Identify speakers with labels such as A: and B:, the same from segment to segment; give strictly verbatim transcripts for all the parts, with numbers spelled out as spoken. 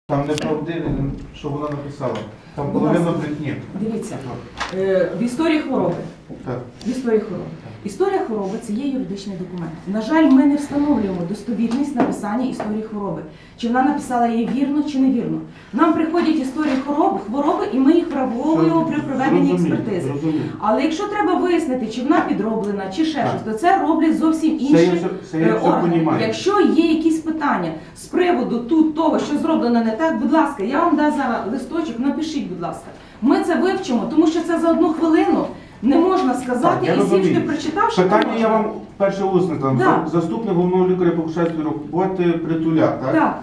A: Там неправдиві, що вона написала. Там половина брехні.
B: Дивіться, е, в історії хвороби.
A: Так.
B: В історії хвороби. Історія хвороби – це є юридичний документ. На жаль, ми не встановлюємо достовірність написання історії хвороби. Чи вона написала її вірно, чи невірно. Нам приходять історії хвороби, хвороби, і ми їх враховуємо при проведенні експертизи. Але якщо треба вияснити, чи вона підроблена, чи ще щось, то це роблять зовсім інші органи. Якщо є якісь питання з приводу тут того, що зроблено не так, будь ласка, я вам дам зараз листочок, напишіть, будь ласка. Ми це вивчимо, тому що це за одну хвилину не можна сказати,
A: так,
B: і всім, що прочитавши,
A: питання я вам перше усне, там,
B: да.
A: заступник головного лікаря по Кушацькій роботи Притуля, так?
B: Так.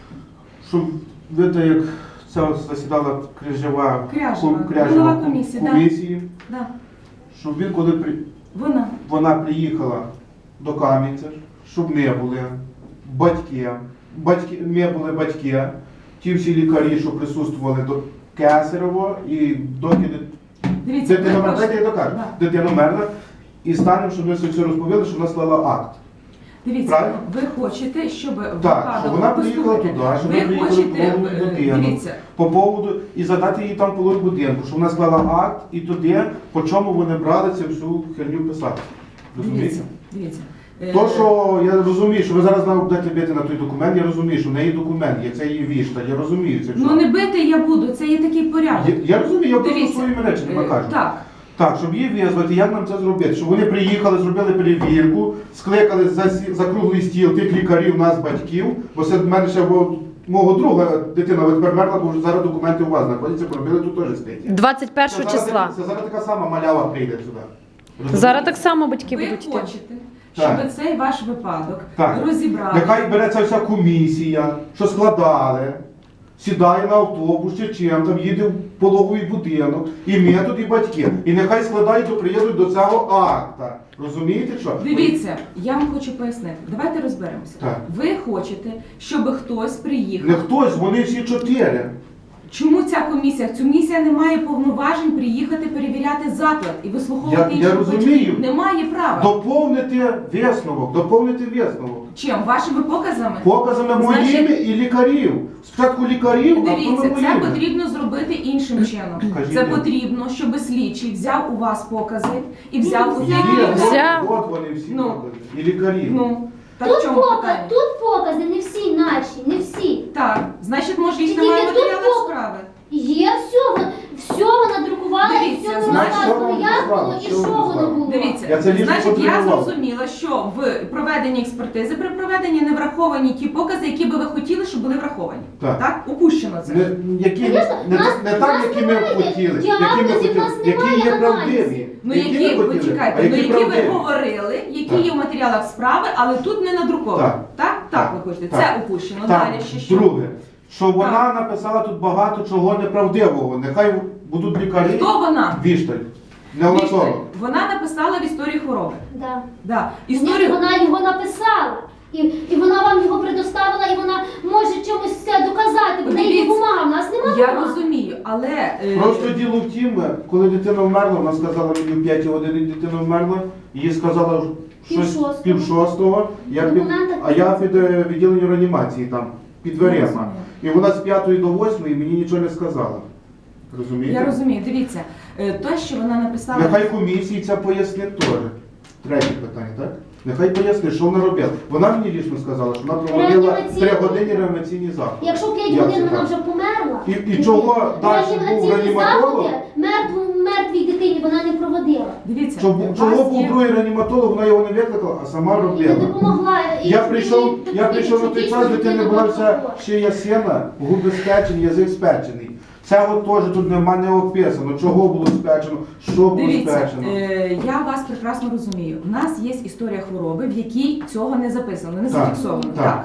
A: Щоб видите, як ця засідала Крижева,
B: Кряжева,
A: Кряжева
B: голова комісії,
A: комісії,
B: да.
A: щоб він, коли при...
B: вона.
A: вона приїхала до Кам'янця, щоб ми були батьки, батьки, ми були батьки, ті всі лікарі, що присутствували до Кесарево, і доки
B: Дивіться,
A: дитина
B: ви
A: мерла, дайте я докажу,
B: Да.
A: дитина мерла, і станемо, щоб ми все розповіли, що вона склала акт.
B: Дивіться,
A: Правильно?
B: ви хочете, щоб
A: Так, щоб вона приїхала туди, щоб
B: ви
A: ми приїхали
B: хочете,
A: по поводу будинку,
B: дивіться,
A: по поводу, і задати їй там половину будинку, щоб вона склала акт, і туди, по чому вони брали цю всю херню писати. Розумієте?
B: дивіться, дивіться.
A: То, що я розумію, що ви зараз нам будете бити на той документ, я розумію, що в неї документ є, це її вішта, я розумію це все.
B: Ну не бити я буду, це є такий порядок.
A: Я, я розумію, я просто
B: Дивіться,
A: своїми речами
B: е,
A: кажу.
B: Так.
A: Так, щоб її визвати, як нам це зробити? Щоб вони приїхали, зробили перевірку, скликали за, сі- за круглий стіл тих лікарів, нас, батьків, бо це в мене ще бо, мого друга дитина от тепер мерла, бо зараз документи у вас знаходяться, поробили тут теж статті.
C: двадцять першого
A: Це зараз-
C: числа.
A: Це зараз така сама малява прийде сюди. Розумієте?
C: Зараз так само батьки
B: Ви
C: будуть йти.
B: хочете, щоб
A: Так.
B: цей ваш випадок
A: Так.
B: розібрали.
A: Нехай береться вся комісія, що складали, сідає на автобус чи чим, там їде в пологовий будинок, і ми тут, і батьки. І нехай складають, то приїдуть до цього акта. Розумієте що?
B: Дивіться, я вам хочу пояснити. Давайте розберемося.
A: Так.
B: Ви хочете, щоб хтось приїхав.
A: Не хтось, вони всі чотири.
B: Чому ця комісія? Ця комісія не має повноважень приїхати перевіряти заклад і вислуховувати
A: Я- я
B: інших
A: розумію.
B: батьків. Немає права.
A: Доповнити висновок, доповнити висновок.
B: Чим? Вашими показами?
A: Показами
B: Значить,
A: моїми і лікарів. Спочатку лікарів, а
B: Дивіться,
A: потім
B: це
A: моїми.
B: потрібно зробити іншим чином.
A: Кажіть.
B: Це потрібно, щоб слідчий взяв у вас покази і взяв у
A: Є,
B: тих
A: от,
B: лікарів.
C: Взяв.
A: от вони всі
B: Ну.
A: покази. І лікарі.
B: Ну, так
D: Тут,
B: в чому
D: показ,
B: питання?
D: тут покази, не всі наші, не всі.
B: Так, значить, може їх
D: Тільки
B: немає
D: тут
B: матеріалів
D: пок-
B: справи.
D: Є все, вон- все вона друкувала, і
B: Дивіться,
D: все
B: значить,
D: розказувала,
A: що
D: як
A: вона
D: було і
A: що
D: що
A: вона
D: воно було.
B: Дивіться,
A: Я це лічно
B: значить, я
A: контролював.
B: зрозуміла, що в проведенні експертизи, при проведенні не враховані ті покази, які би ви хотіли, щоб були враховані.
A: Так.
B: Так? Упущено це.
A: Не, які,
D: Звісно,
A: не,
D: нас-
A: не так,
D: нас
A: які ми
D: немає.
A: хотіли, які ми
D: Діагнозів
A: хотіли,
D: нас
A: які
D: немає
A: є
D: аналізів.
A: правдиві.
B: Ну,
A: які,
B: які,
A: ми хотіли,
B: почекайте,
A: а
B: ну, які ви
A: правдиві.
B: говорили, які
A: Так.
B: є в матеріалах справи, але тут не надруковано.
A: Так.
B: Так? Так,
A: Так.
B: ви хочете.
A: Так.
B: Це упущено.
A: Так,
B: Далі ще що?
A: друге, що вона написала тут багато чого неправдивого. Нехай будуть лікарі.
B: Хто вона?
A: Вішталь.
B: Вішталь.
A: Неонатолог.
B: Вона написала в історії хвороби.
D: Да.
B: Да.
D: Ні,
B: Історію...
D: вона його написала. І, і вона вам його предоставила, і вона може чомусь це доказати, бо в неї є
B: Дивіться,
D: бумага, в нас немає
B: Я
D: бумаг.
B: розумію, але... е,
A: Просто діло в тім, коли дитина вмерла, вона сказала мені в п'ятій годині дитина вмерла, їй сказала щось
D: Пів-шостого.
A: пів шостого, я під,
D: Документи
A: а я під е, відділенням реанімації там, під
B: Я
A: дверима.
B: розумію.
A: І вона з п'ятої до восьмої мені нічого не сказала. Розумієте?
B: Я розумію, дивіться, е, те, що вона написала...
A: Нехай комісії це пояснить теж. Третє питання, так? Нехай пояснить, що вона робила. Вона мені лічно сказала, що вона проводила
D: Реанімаційні-
A: три години реанімаційні заходи.
D: Якщо п'ять
A: Як
D: годин
A: це
D: вона
A: так?
D: вже померла,
A: І- і чого далі був
D: реанімаційні
A: реаніматолог?
D: заходи мертву, мертвій дитині вона не проводила.
B: Дивіться,
A: Чого,
B: у
A: чого
B: вас
A: був
B: є...
A: другий реаніматолог, вона його не викликала, а сама
D: І не
A: робила.
D: допомогла. І-
A: Я
D: і-
A: прийшов,
D: і-
A: я
D: і-
A: прийшов на той
D: дійсно
A: час, дитина
D: дитина
A: була
D: була
A: вся
D: хвора.
A: шия сина, губи спечені, язик спечений. Цього теж тут нема не описано, чого було спечено, що було
B: Дивіться,
A: спечено.
B: е, я вас прекрасно розумію. У нас є історія хвороби, в якій цього не записано, не
A: Так,
B: зафіксовано.
A: так.
B: Так.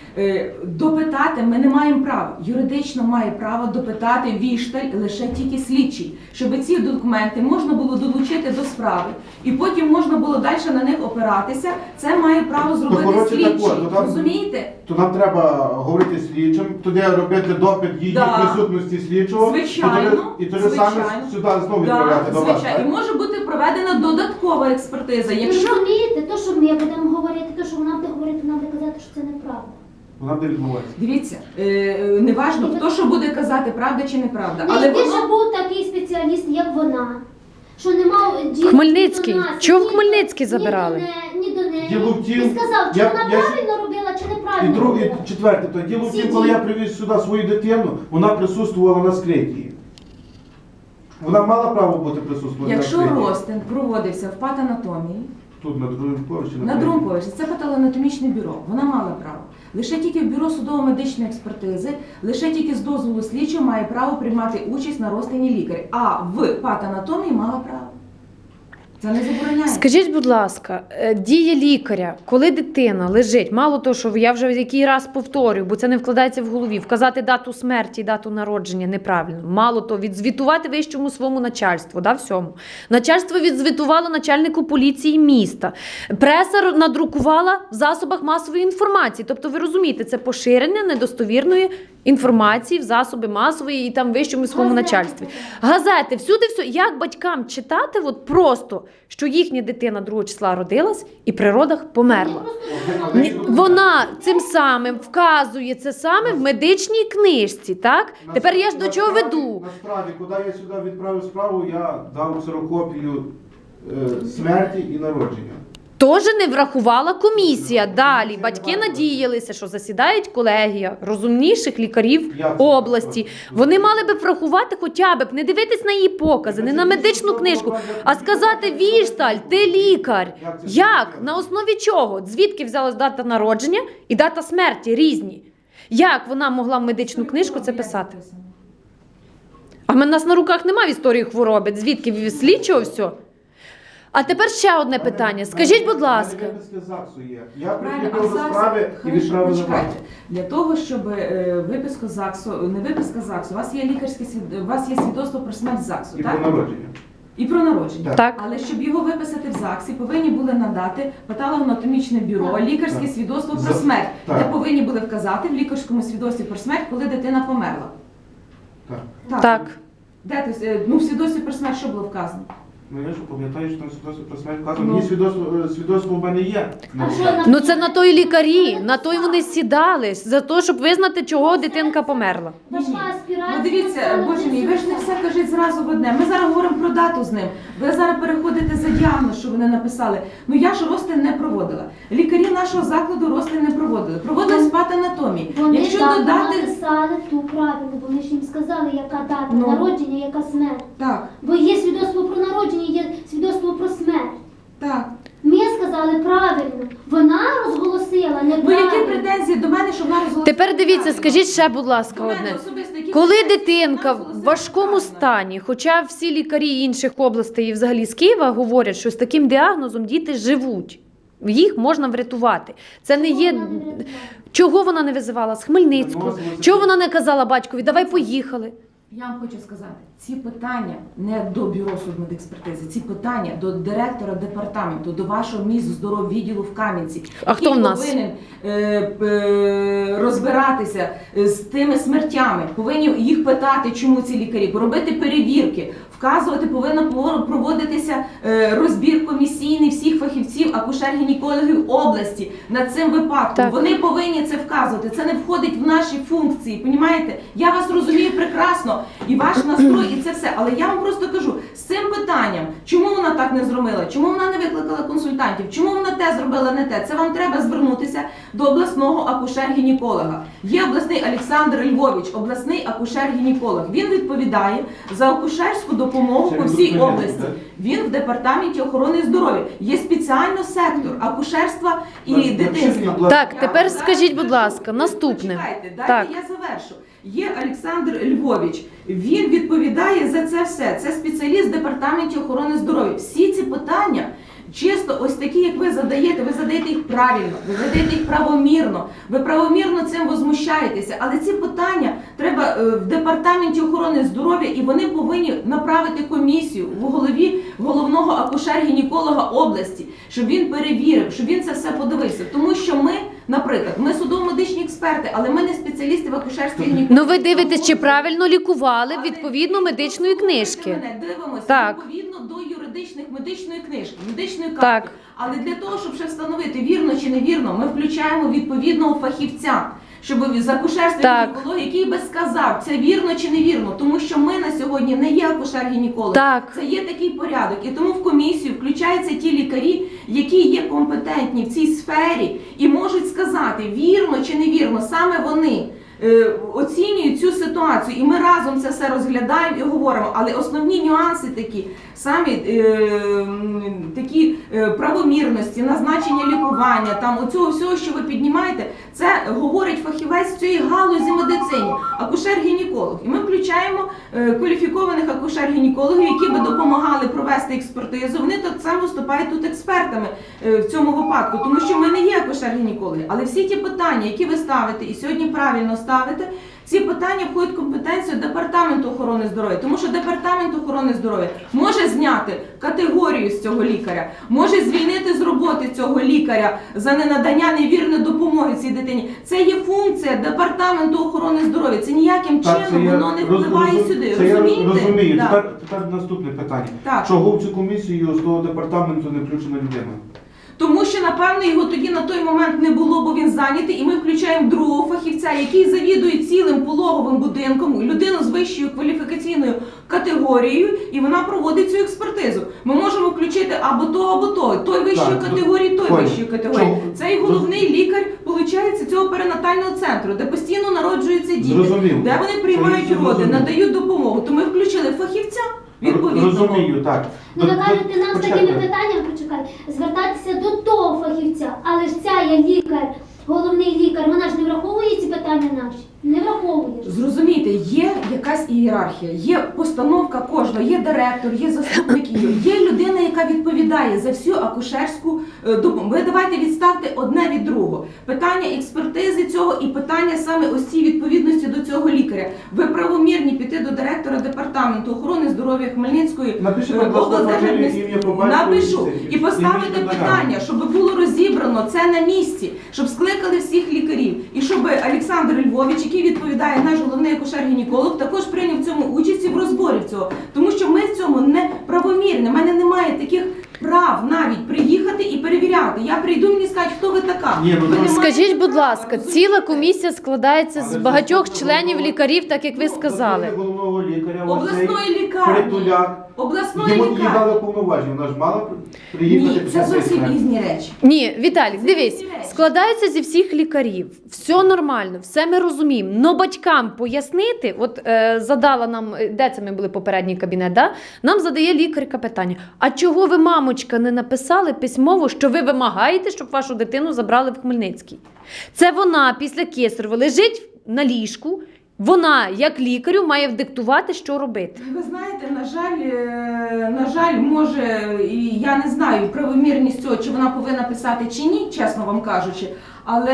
B: Е, Допитати ми не маємо права. Юридично має право допитати вішталь лише тільки слідчий, щоб ці документи можна було долучити до справи, і потім можна було далі на них опиратися. Це має право зробити
A: коротше, так
B: слідчий.
A: от, ну, там-
B: Розумієте?
A: То нам треба говорити з слідчим, тоді робити допит її
B: Да.
A: присутності слідчого,
B: Звичайно,
A: і тоді, і тоді саме
B: звичайно.
A: сюди знову
B: Да,
A: відправляти до вас.
B: звичайно. І
A: так?
B: може бути проведена додаткова експертиза.
D: Ви
B: Якщо
D: розумієте, то, що ми будемо говорити, то, що вона буде говорити, вона буде казати, що це неправда.
A: Вона буде відмовлятися.
B: Дивіться, е, е, неважно, хто що буде казати, правда чи неправда.
D: Не
B: Але
D: якби
B: воно...
D: ж був такий спеціаліст, як вона, що не мав діла
C: Хмельницький.
D: ні до нас,
C: Чого в
D: ні до-
C: Хмельницький забирали?
D: Ні до, не- ні до неї.
A: Діло в тім,
D: І сказав, чи
A: я-
D: вона
A: я-
D: правильно робила, чи
A: І
D: неправильно
A: друге,
D: робила.
A: і четверте, то діло в
D: Всі
A: тім, коли
D: ті-
A: я привіз сюди свою дитину, вона присутствувала на скритті. Вона мала право бути присутствувати
B: Якщо
A: на скритті.
B: розтин проводився в патанатомії,
A: Тут на другому поверсі.
B: на другому поверсі, це патологоанатомічне бюро, вона мала право. Лише тільки в бюро судово-медичної експертизи, лише тільки з дозволу слідчого має право приймати участь на розтині лікаря, а в патанатомії мала право. Це не забороняє.
C: Скажіть, будь ласка, е, дія лікаря, коли дитина лежить, мало того, що я вже який раз повторюю, бо це не вкладається в голові, вказати дату смерті і дату народження неправильно. Мало того, відзвітувати вищому своєму начальству, да, всьому. Начальство відзвітувало начальнику поліції міста. Преса р- надрукувала в засобах масової інформації. Тобто, ви розумієте, це поширення недостовірної інформації в засоби масової і там вищому своєму
D: Газети.
C: начальстві. Газети, всюди все. Як батькам читати от просто, що їхня дитина другого числа родилась і при родах померла? Ні, Вона цим самим вказує це саме в медичній книжці, так?
A: На
C: Тепер я ж
A: справі-
C: до чого
A: на справі-
C: веду?
A: На справі, куди я сюди відправив справу, я дав ксерокопію е, смерті і народження.
C: Теж не врахувала комісія. Далі батьки надіялися, що засідають колегія розумніших лікарів
A: Я це
C: області.
A: бачу.
C: Вони мали би врахувати хоча б, не дивитись на її покази, не на медичну книжку, а сказати: Вішталь, ти лікар. Як? На основі чого? Звідки взялась дата народження і дата смерті різні? Як вона могла в медичну книжку це писати? А в нас на руках немає історії хвороби. Звідки від слідчого все? А тепер ще одне питання. Скажіть, будь ласка.
A: У мене виписки ЗАГСу є. Я
B: Правильно, а
A: прикріпив до
B: ЗАГС,
A: справи і
B: хорошо,
A: відправив на
B: почекайте.
A: вас.
B: Для того, щоб е, виписку ЗАГСу, не виписка ЗАГСу, у вас є лікарське свід- у вас є свідоцтво про смерть ЗАГСу,
A: І про
B: так?
A: народження.
B: І про народження.
C: Так.
B: Але щоб його виписати в ЗАГСі, повинні були надати патологоанатомічне бюро,
D: Так.
B: лікарське
A: Так.
B: свідоцтво
A: За-
B: про смерть,
A: так.
B: де повинні були вказати в лікарському свідоцтві про смерть, коли дитина померла.
A: Так.
C: Так.
B: Де ти, е, ну, в свідоцтві про смерть що було вказано?
A: Ну я ж пам'ятаю, що там свідоцтво про смерть вказано.
B: Ну.
A: Мені свідоцтво, е, свідоцтво в мене є.
D: А що на-
C: Ну це на той лікарі, на той вони сідали, за те, щоб визнати, чого дитинка померла.
D: Важка аспірація.
B: Ну дивіться, боже мій, ви ж не все кажіть зразу в одне. Ми зараз говоримо про дату з ним. Ви зараз переходите за діагноз, що вони написали. Ну я ж розтин не проводила. Лікарі нашого закладу розтин не проводили. Проводили спатанатомії.
D: Вони
B: Якщо
D: дату
B: додати.
D: написали ту правильно, бо вони ж їм сказали, яка дата
B: Ну.
D: народження, яка смерть.
B: Так,
D: Бо є свідоцтво про народження, є свідоцтво про смерть.
B: так.
D: Ми сказали правильно. Вона розголосила
B: Ну які
D: неправильно.
B: претензії до мене, що вона розголосила?
C: Тепер дивіться,
B: неправильно?
C: скажіть ще, будь ласка,
B: До мене
C: одне.
B: особисто, які
C: Коли
B: претензії,
C: дитинка
B: що вона
C: в
B: розголосила
C: важкому
B: неправильно?
C: стані, хоча всі лікарі інших областей і взагалі з Києва говорять, що з таким діагнозом діти живуть, їх можна врятувати. Це не є.
D: Вона не врятувала.
C: Чого вона не визивала з Хмельницького? Чого вона не казала батькові, давай поїхали?
B: Я вам хочу сказати, ці питання не до бюро судмедекспертизи, ці питання до директора департаменту, до вашого Мінздороввідділу в Кам'янці.
C: А хто
B: який
C: в нас?
B: повинен е, е, розбиратися з тими смертями, повинні їх питати, чому ці лікарі, робити перевірки, вказувати, повинна пов- проводитися е, розбір комісійний всіх фахівців, акушер-гінекологів області над цим випадком.
C: Так.
B: Вони повинні це вказувати. Це не входить в наші функції. Понімаєте? Я вас розумію прекрасно, і ваш настрой, і це все. Але я вам просто кажу, з цим питанням, чому вона так не зробила, чому вона не викликала консультантів, чому вона те зробила, не те, це вам треба звернутися до обласного акушер-гінеколога. Є обласний Олександр Львович, обласний акушер-гінеколог. Він відповідає за акушерську допомогу
A: Це
B: по
A: він
B: всій
A: тут
B: області.
A: так?
B: Він в департаменті охорони здоров'я. Є спеціально сектор акушерства і
A: Так,
B: дитинства.
A: будь ласка.
C: Так,
B: Я
C: тепер
B: зараз
C: скажіть, будь
B: скажу.
C: ласка,
B: Ви
C: наступне.
B: почекайте, дайте
C: Так.
B: я завершу. Є Олександр Львович. Він відповідає за це все. Це спеціаліст в департаменті охорони здоров'я. Всі ці питання чисто ось такі, як ви задаєте, ви задаєте їх правильно, ви задаєте їх правомірно, ви правомірно цим возмущаєтеся. Але ці питання треба е, в департаменті охорони здоров'я, і вони повинні направити комісію в голові головного акушер-гінеколога області, щоб він перевірив, щоб він це все подивився. Тому що ми, наприклад, ми судово-медичні експерти, але ми не спеціалісти в акушерстві гінекології.
C: Ну ви дивитесь, чи правильно лікували відповідно медичної книжки.
B: Мене дивимося
C: Так.
B: відповідно до юридичної юридичних медичної книжки, медичної
C: Так.
B: картки. Але для того, щоб ще встановити вірно чи невірно, ми включаємо відповідного фахівця, щоб з акушерства
C: Так.
B: і гінекології, який би сказав, це вірно чи невірно, тому що ми на сьогодні не є акушер-гінеколог.
C: Так.
B: Це є такий порядок. І тому в комісію включаються ті лікарі, які є компетентні в цій сфері і можуть сказати, вірно чи невірно, саме вони е, оцінюють цю ситуацію. І ми разом це все розглядаємо і говоримо. Але основні нюанси такі, самі е, м, такі е, правомірності, назначення лікування, там оцього всього, що ви піднімаєте, це говорить фахівець цієї галузі медицині, акушер-гінеколог. І ми включаємо е, кваліфікованих акушер-гінекологів, які би допомагали провести експертизу. Вони так само виступають тут експертами е, в цьому випадку, тому що ми не є акушер-гінекологи. Але всі ті питання, які ви ставите, і сьогодні правильно ставите, ці питання входять в компетенцію Департаменту охорони здоров'я, тому що Департамент охорони здоров'я може зняти категорію з цього лікаря, може звільнити з роботи цього лікаря за ненадання невірної допомоги цій дитині. Це є функція Департаменту охорони здоров'я. Це ніяким
A: Так, це
B: чином
A: я
B: воно не
A: роз-
B: впливає
A: розум-
B: сюди.
A: Це я
B: Розумієте?
A: розумію.
B: Да.
A: Тепер, тепер наступне питання.
B: Так.
A: Чого в цю комісію з того департаменту не включена людина?
B: Тому що, напевно, його тоді на той момент не було, бо він зайнятий, і ми включаємо другого фахівця, який завідує цілим пологовим будинком, людину з вищою кваліфікаційною категорією, і вона проводить цю експертизу. Ми можемо включити або то, або то. Той вищої
A: Так,
B: категорії, той
A: понял.
B: вищої категорії.
A: Чого?
B: Цей головний лікар, виходить, цього перинатального центру, де постійно народжуються діти,
A: Зрозумів.
B: де вони приймають
A: Це
B: роди,
A: зрозумів.
B: надають допомогу. То ми включили фахівця відповідного.
A: Розумію, так.
D: Ну, ви
A: До-
D: кажете,
A: до-
D: нам з
A: почекайте.
D: такими питаннями, почекай, звертатися до того фахівця, але ж ця є лікар, головний лікар, вона ж не враховує ці питання наші? Не враховує.
B: Зрозумійте, є якась ієрархія, є постановка кожного, є директор, є заступник, є людина, яка відповідає за всю акушерську е, допомогу. Ви давайте відставте одне від другого. Питання експертизи цього і питання саме ось цієї відповідності до цього лікаря. Ви правомірні піти до директора департаменту охорони здоров'я Хмельницької
A: Напишіть,
B: е,
A: будь ласка,
B: облдержадміністрації.
A: фамілію, ім'я, по батькові,
B: Напишу
A: і-
B: і поставити
A: і мені
B: питання, щоб було розібрано це на місці, щоб скликали всіх лікарів і щоб Олександр Львович, який відповідає наш головний акушер-гінеколог, також прийняв в цьому участі в розборі цього. Тому що ми в цьому не правомірні. У мене немає таких прав навіть приїхати і перевіряти. Я прийду, мені скажуть, хто ви така.
A: Ні, ну,
B: Ви не
C: Скажіть,
B: маєте
C: будь
B: права,
C: ласка,
B: розумієте?
C: ціла комісія складається з
A: Але
C: багатьох
A: заступник
C: членів
A: головного-
C: лікарів, так як ви сказали.
A: Заступник головного лікаря,
B: Обласної лікарні.
A: Притуляк.
B: Обласної
A: Йому їй
B: лікарні.
A: дали повноваження, вона ж мала приїхати.
B: Ні,
A: під
B: це
A: час
B: зовсім
A: експерт.
B: різні речі.
C: Ні, Віталік, дивись,
B: різні речі.
C: складаються зі всіх лікарів, все нормально, все ми розуміємо. Но батькам пояснити, от е, задала нам, е, де це ми були попередній кабінет, да? Нам задає лікарка питання: а чого ви, мамочка, не написали письмово, що ви вимагаєте, щоб вашу дитину забрали в Хмельницький? Це вона після кесарева лежить на ліжку. Вона, як лікарю, має вдиктувати, що робити.
B: Ви знаєте, на жаль, е, на жаль, може, і я не знаю правомірність цього, чи вона повинна писати чи ні, чесно вам кажучи. Але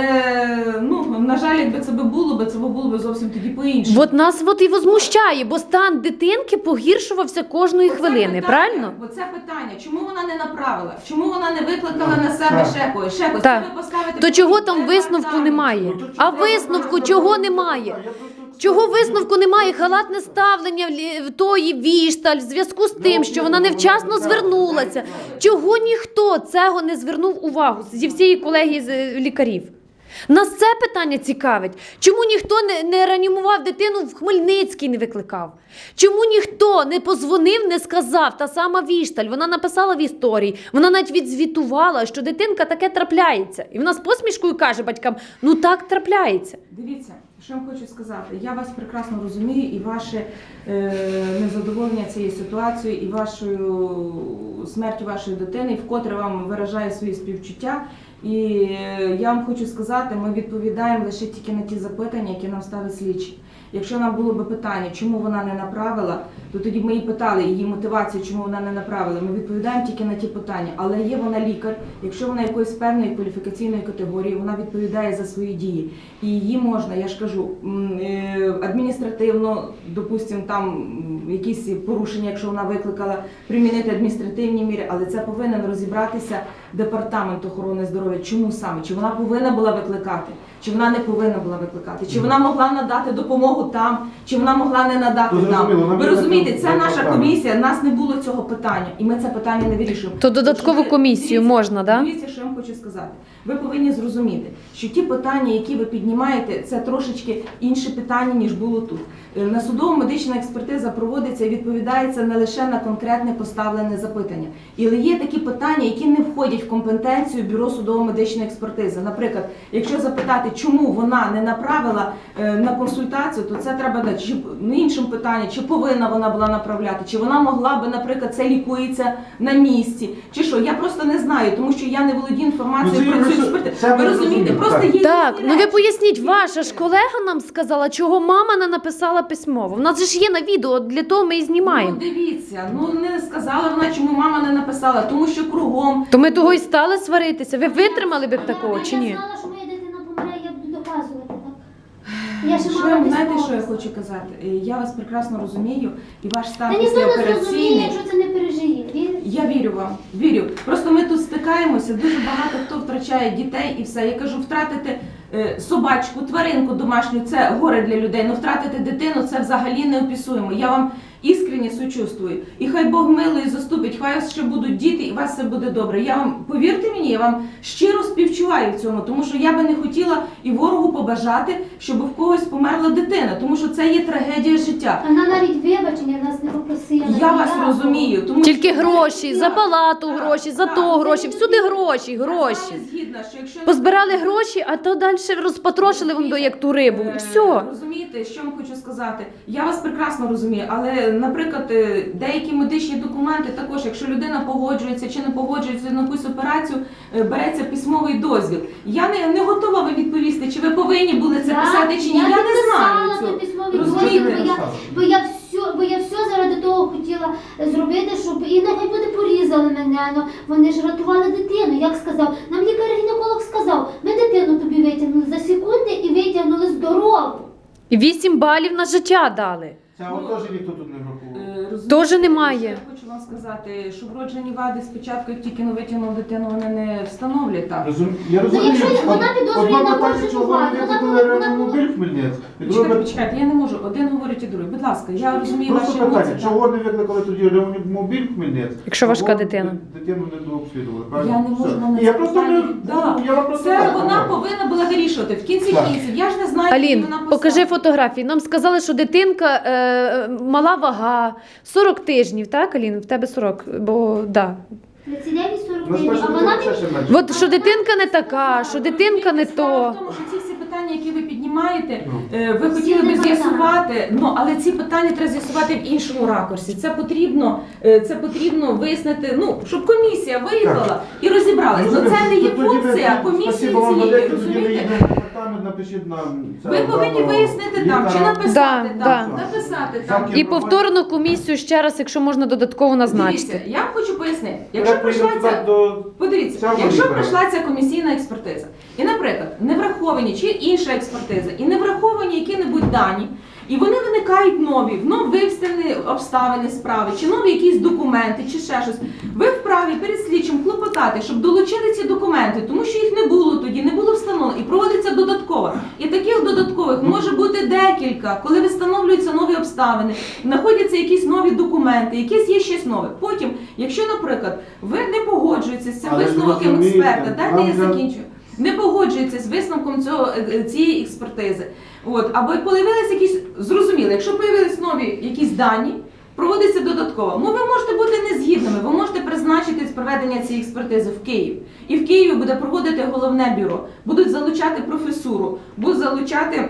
B: ну на жаль, якби це би було, би це би було би зовсім тоді по-іншому.
C: От нас от і возмущає, бо стан дитинки погіршувався кожної
B: Оце
C: хвилини,
B: питання,
C: правильно?
B: Бо це питання, чому вона не направила? Чому вона не викликала на себе
A: Так.
B: ще когось? Ще когось?
C: Так.
B: Це ви поставите
C: То
B: під
C: чого там
B: департамент.
C: висновку немає?
A: Ну, то
C: А
A: чого
C: висновку
A: вона
C: чого
A: забрала?
C: немає?
A: Я просто-
C: Чого висновку немає? Халатне ставлення в лі- в тої Вішталь в зв'язку з тим, що вона невчасно звернулася. Чого ніхто цього не звернув увагу зі всієї колегії з е, лікарів? Нас це питання цікавить. Чому ніхто не, не реанімував дитину в Хмельницький, не викликав? Чому ніхто не позвонив, не сказав? Та сама Вішталь, вона написала в історії, вона навіть відзвітувала, що дитинка таке трапляється. І вона з посмішкою каже батькам: ну так трапляється.
B: Дивіться, що я вам хочу сказати. Я вас прекрасно розумію, і ваше е, незадоволення цією ситуацією, і вашою смертю вашої дитини, і вкотре вам виражаю свої співчуття. І е, я вам хочу сказати, ми відповідаємо лише тільки на ті запитання, які нам ставить слідчі. Якщо нам було б питання, чому вона не направила, то тоді б ми її питали її мотивацію, чому вона не направила. Ми відповідаємо тільки на ті питання. Але є вона лікар, якщо вона якоїсь певної кваліфікаційної категорії, вона відповідає за свої дії. І її можна, я ж кажу, м, е, адміністративно, допустимо, там м, якісь порушення, якщо вона викликала, примінити адміністративні міри, але це повинен розібратися департамент охорони здоров'я. Чому саме? Чи вона повинна була викликати? чи вона не повинна була викликати, чи вона могла надати допомогу там, чи вона могла не надати
A: То зрозуміло,
B: там.
A: нам
B: Ви
A: є
B: розумієте,
A: таке
B: це наша
A: питання.
B: комісія, в нас не було цього питання, і ми це питання не вирішуємо.
C: То додаткову
B: Що ви-
C: комісію
B: дивіться,
C: можна, да?
B: Дивіться, що я вам хочу сказати. Ви повинні зрозуміти, що ті питання, які ви піднімаєте, це трошечки інші питання, ніж було тут. Е, На судово-медична експертиза проводиться і відповідається не лише на конкретне поставлене запитання. Але є такі питання, які не входять в компетенцію Бюро судово-медичної експертизи. Наприклад, якщо запитати, чому вона не направила е, на консультацію, то це треба дати. Чи ну, іншим питанням, чи повинна вона була направляти, чи вона могла би, наприклад, це лікується на місці, чи що. Я просто не знаю, тому що я не володію
A: Ну,
B: інформацією
A: це
B: про
A: я
B: цю
A: просто-
B: експертизу.
A: це ми
B: Ви розумієте,
A: розуміємо,
B: просто
A: так.
B: є
C: Так,
B: різні
C: ну ви
B: речі.
C: поясніть, ваша ж колега нам сказала, чого мама не написала письмово. В нас же ж є на відео, для того ми і знімаємо.
B: Ну дивіться, ну не сказала вона, чому мама не написала, тому що кругом.
C: То ми того і стали сваритися. Ви витримали б такого
D: Я-
C: чи ні?
D: Я знала, що моя дитина помре, я буду доказувати, так? Я ще
B: Що
D: мала
B: я, знаєте,
D: письмо.
B: що я хочу казати? Е, Я вас прекрасно розумію, і ваш стан
D: Та ніхто не зрозуміє,
B: післяопераційний.
D: якщо це не пережиє. Віриш?
B: Я вірю вам, вірю. Просто ми тут стикаємося, дуже багато хто втрачає дітей і все. Я кажу, втратити е, собачку, тваринку домашню це горе для людей. Ну втратити дитину це взагалі неописуємо. Я вам іскренне сочувствую. І хай Бог милує і заступить, хай у вас ще будуть діти, і у вас все буде добре. Я вам, повірте мені, я вам щиро співчуваю в цьому, тому що я би не хотіла і ворогу побажати, щоб в когось померла дитина, тому що це є трагедія життя.
D: Вона навіть вибачення нас не попросила.
B: Я вас
D: ніякого.
B: розумію, тому
C: Тільки
B: що-
C: гроші, за палату
B: Так,
C: гроші, за
B: так,
C: то
B: це
C: гроші,
B: не
C: всюди
B: згідно.
C: гроші,
B: Я з
C: гроші.
B: вами згідна, що якщо
C: Позбирали гроші, а то далі розпотрошили вон до як ту рибу. І
B: Е,
C: все.
B: Розумієте, що вам хочу сказати? Я вас прекрасно розумію, але, наприклад, е, деякі медичні документи також, якщо людина погоджується чи не погоджується на якусь операцію, е, береться письмовий дозвіл. Я не, не готова ви відповісти, чи ви повинні були це
D: Я-
B: писати чи ні. Я, не
D: підписала
B: знаю
D: той
B: цього.
D: письмовий
B: Розумієте?
D: дозвіл, бо я, бо я все, бо я все заради того хотіла зробити, щоб і нехай буде порізали мене. Ну вони ж рятували дитину. Як сказав, нам лікар-гінеколог сказав, ми дитину тобі витягнули за секунди і витягнули здорову.
C: І вісім балів на життя дали.
A: Це от теж ніхто тут не враховував.
B: Е, розумієте,
C: Тоже немає.
B: що Я хочу вам сказати, що вроджені вади спочатку, як тільки ну, витягнув дитину, вони не встановлюють так.
A: Розум... Я
D: Ну,
A: розумію,
D: якщо вона
A: Од-
D: підозрює
A: одна
D: на
A: питання,
D: вроджену
A: чого
D: ваду,
A: вони
D: вона
A: викликали
D: повинна-
A: реанімобіль в Хмельницьк, і
B: Почекайте,
A: друге
B: почекайте, я не можу. Один говорить і другий. Будь ласка, я розумію ваші
A: просто питання,
B: емоції.
A: чого не викликали тоді реанімобіль в Хмельницьк?
C: Якщо важка
A: Чого
C: дитина.
A: Дитину не дообслідували, правильно?
B: Я не можу
A: Все.
B: вам на
A: Я
B: це
A: просто не...
B: питання- Да.
A: Я вам просто
B: Це
A: так
B: вона
A: говорю.
B: повинна була вирішувати. В кінці
A: Так.
B: кінців. Я ж не знаю, які
C: Алін,
B: вона
C: покажи
B: посади.
C: фотографії. Нам сказали, що дитинка е, мала вага, сорок тижнів, так, Алін? В тебе сорок, бо да.
D: тридцять дев'ять сорок
A: У нас
D: дев'ять, а
A: перше
D: вона
A: дитина ще менше.
C: От що дитинка не така, що дитинка не
B: Справа
C: то.
B: в тому, що ці всі питання, які ви піднімаєте,
A: Ну.
B: е, ви
D: Всі
B: хотіли би
D: не
B: з'ясувати, ну але ці питання треба з'ясувати в іншому ракурсі. Це потрібно, е, це потрібно вияснити, ну щоб комісія виїхала і розібралась. Ну це не є
A: Тоді ви-
B: функція комісії
A: спасибо вам
B: цієї,
A: велике, тоді ви
B: розумієте?
A: їдете в департамент, напишіть нам. це,
B: Ви повинні
A: даного
B: вияснити там, чи
A: лікаря.
B: написати
C: Да,
B: там,
C: да.
B: написати там.
A: Всякі-
C: І повторну комісію ще раз, якщо можна додатково
B: Дивіться,
C: назначити.
B: я вам хочу пояснити. Якщо
A: Я
B: прийшла
A: прийду
B: ця
A: туди до...
B: Подивіться,
A: Цього
B: якщо
A: лікаря.
B: пройшла ця комісійна експертиза, і, наприклад, не враховані чи інша експертиза, і не враховані які-небудь дані, і вони виникають нові, вновь вивставлені обставини справи, чи нові якісь документи, чи ще щось, ви вправі перед слідчим клопотати, щоб долучили ці документи, тому що їх не було тоді, не було встановлено, і проводиться додатково. І таких додаткових може бути декілька, коли встановлюються нові обставини, знаходяться якісь нові документи, якесь є щось нове. Потім, якщо, наприклад, ви не погоджуєтеся з цим
A: Але ж
B: висновком
A: розумієте,
B: експерта, дайте
A: нам
B: я
A: вже-
B: закінчую. Не погоджується з висновком цього, е, цієї експертизи. От, або появилися якісь, зрозуміло, якщо появились нові якісь дані, проводиться додатково. Ну, ви можете бути незгідними, ви можете призначити з проведення цієї експертизи в Київ. І в Києві буде проводити головне бюро, будуть залучати професуру, будуть залучати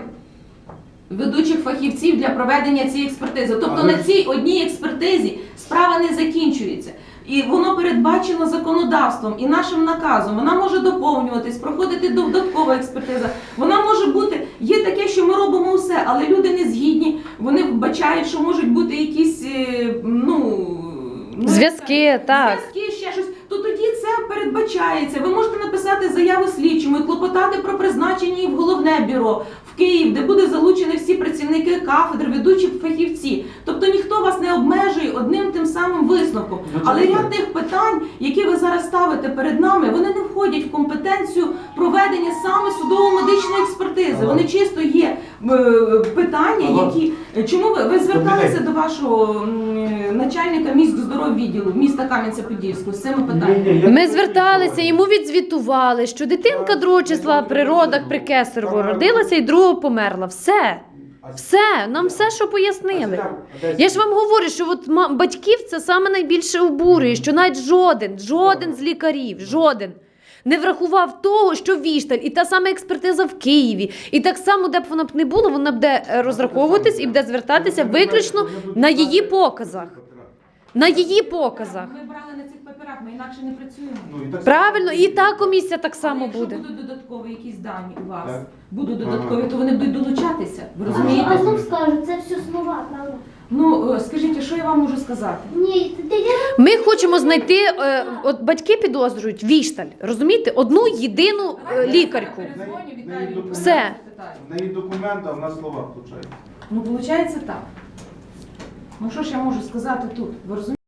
B: ведучих фахівців для проведення цієї експертизи. Тобто
A: Але
B: на
A: ж-
B: цій одній експертизі справа не закінчується. І воно передбачено законодавством і нашим наказом. Вона може доповнюватись, проходити додаткова експертиза. Вона може бути, є таке, що ми робимо все, але люди не згідні, вони вбачають, що можуть бути якісь, е, ну... ну,
C: Зв'язки,
B: як це,
C: так.
B: Зв'язки, ще щось. То тоді це передбачається. Ви можете написати заяву слідчому і клопотати про призначення її в головне бюро, в Київ, де буде залучені всі працівники кафедр, ведучі фахівці. Тобто Тобто ніхто вас не обмежує одним тим самим висновком. Але ряд тих питань, які ви зараз ставите перед нами, вони не входять в компетенцію проведення саме судово-медичної експертизи. Вони чисто є е, питання, які... Чому ви, ви зверталися до вашого м, начальника міськздоров відділу міста Кам'янця-Подільського з цими питаннями?
C: Ми зверталися, йому відзвітували, що дитинка другого числа при родах при Кесарево родилася і другого померла. Все. Все, нам все, що пояснили. Я ж вам говорю, що от ма- батьків це саме найбільше обурює, що навіть жоден, жоден з лікарів, жоден не врахував того, що Вішталь, і та сама експертиза в Києві, і так само, де б вона б не була, вона буде е, розраховуватись і буде звертатися виключно на її показах. На її показах.
B: Ми брали на цих паперах, ми інакше не працюємо.
A: Ну, і так
C: Правильно, і та комісія так само
B: Але
C: буде.
B: якщо будуть додаткові якісь дані у вас,
A: Так.
B: будуть додаткові, то вони будуть долучатися. Ви
D: А
B: розумієте?
D: а знов скажу, це все слова, правда?
B: Ну, е, скажіть, а що я вам можу сказати?
D: Ні, та я
C: Ми хочемо знайти, е, от батьки підозрюють Вішталь, розумієте, одну єдину е, лікарку.
B: Перезвоню,
A: В неї
B: Віталію,
A: документи-
C: Все.
B: питаю.
A: В неї документи, а в нас слова, виходить.
B: Ну, виходить так. Ну, що ж я можу сказати тут? Ви розумієте?